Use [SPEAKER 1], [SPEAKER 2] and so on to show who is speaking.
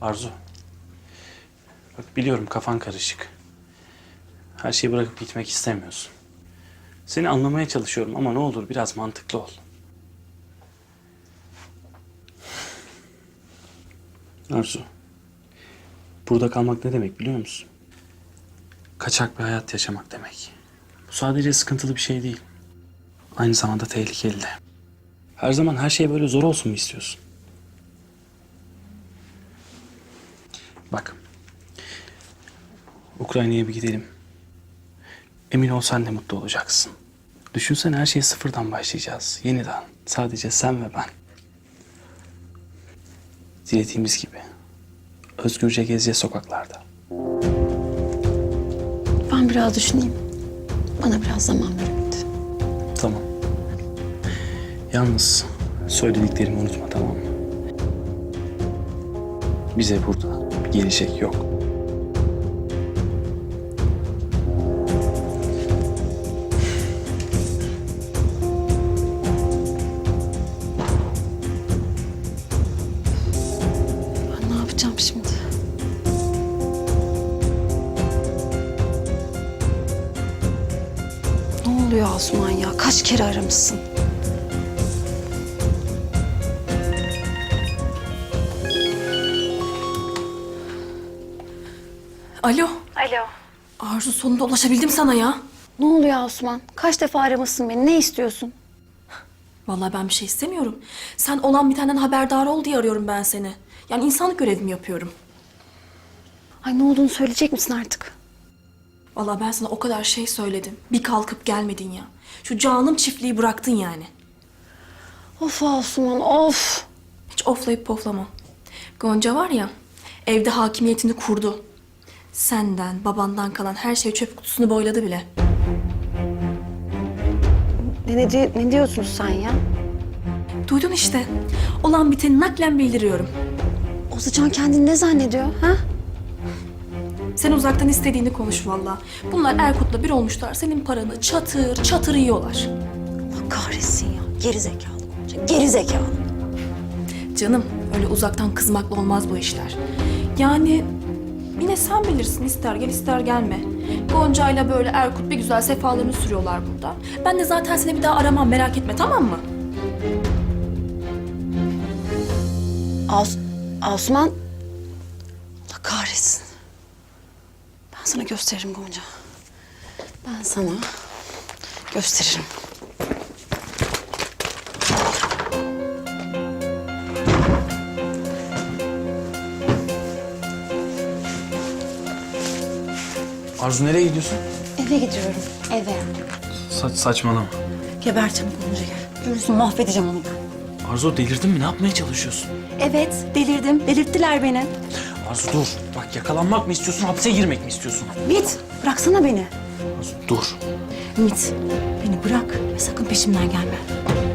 [SPEAKER 1] Arzu. Bak biliyorum kafan karışık. Her şeyi bırakıp gitmek istemiyorsun. Seni anlamaya çalışıyorum ama ne olur biraz mantıklı ol. Arzu. Burada kalmak ne demek biliyor musun? Kaçak bir hayat yaşamak demek. Bu sadece sıkıntılı bir şey değil. Aynı zamanda tehlikeli de. Her zaman her şey böyle zor olsun mu istiyorsun? Bak. Ukrayna'ya bir gidelim. Emin ol sen de mutlu olacaksın. Düşünsene her şeye sıfırdan başlayacağız. Yeniden. Sadece sen ve ben. Dilediğimiz gibi. Özgürce gezeceğiz sokaklarda.
[SPEAKER 2] Ben biraz düşüneyim. Bana biraz zaman verin.
[SPEAKER 1] Tamam. Yalnız söylediklerimi unutma, tamam mı? Bize burada gelecek yok.
[SPEAKER 2] Ben ne yapacağım şimdi? Ne oluyor Asuman ya? Kaç kere aramışsın?
[SPEAKER 3] Alo.
[SPEAKER 2] Alo.
[SPEAKER 3] Arzu, sonunda ulaşabildim sana ya.
[SPEAKER 2] Ne oluyor Asuman? Kaç defa aramışsın beni? Ne istiyorsun?
[SPEAKER 3] Vallahi ben bir şey istemiyorum. Sen olan bitenden haberdar ol diye arıyorum ben seni. Yani insanlık görevimi yapıyorum.
[SPEAKER 2] Ay ne olduğunu söyleyecek misin artık?
[SPEAKER 3] Vallahi ben sana o kadar şey söyledim. Bir kalkıp gelmedin ya. Şu canım çiftliği bıraktın yani.
[SPEAKER 2] Of Asuman of.
[SPEAKER 3] Hiç oflayıp poflama. Gonca var ya, evde hakimiyetini kurdu. Senden, babandan kalan her şey çöp kutusunu boyladı bile.
[SPEAKER 2] Ne diyorsun sen ya?
[SPEAKER 3] Duydun işte. Olan biteni naklen bildiriyorum.
[SPEAKER 2] Ozacan kendini ne zannediyor ha?
[SPEAKER 3] Sen uzaktan istediğini konuş vallahi. Bunlar Erkut'la bir olmuşlar. Senin paranı çatır çatır yiyorlar.
[SPEAKER 2] Allah kahretsin ya. Geri zekalı Gonca. Geri zekalı.
[SPEAKER 3] Canım, öyle uzaktan kızmakla olmaz bu işler. Yani yine sen bilirsin, ister gel ister gelme. Gonca'yla böyle Erkut bir güzel sefalarını sürüyorlar burada. Ben de zaten seni bir daha aramam, merak etme, tamam mı?
[SPEAKER 2] Asuman. Allah kahretsin. Ben sana gösteririm Gonca. Ben sana gösteririm.
[SPEAKER 1] Arzu nereye gidiyorsun?
[SPEAKER 2] Eve gidiyorum. Eve.
[SPEAKER 1] Saçmalama.
[SPEAKER 2] Geberteceğim Gonca gel. Görürsün mahvedeceğim onu ben.
[SPEAKER 1] Arzu delirdin mi? Ne yapmaya çalışıyorsun?
[SPEAKER 2] Evet delirdim. Delirttiler beni.
[SPEAKER 1] Arzu dur. Bak yakalanmak mı istiyorsun, hapse girmek mi istiyorsun?
[SPEAKER 2] Mit bıraksana beni.
[SPEAKER 1] Arzu dur.
[SPEAKER 2] Mit beni bırak ve sakın peşimden gelme.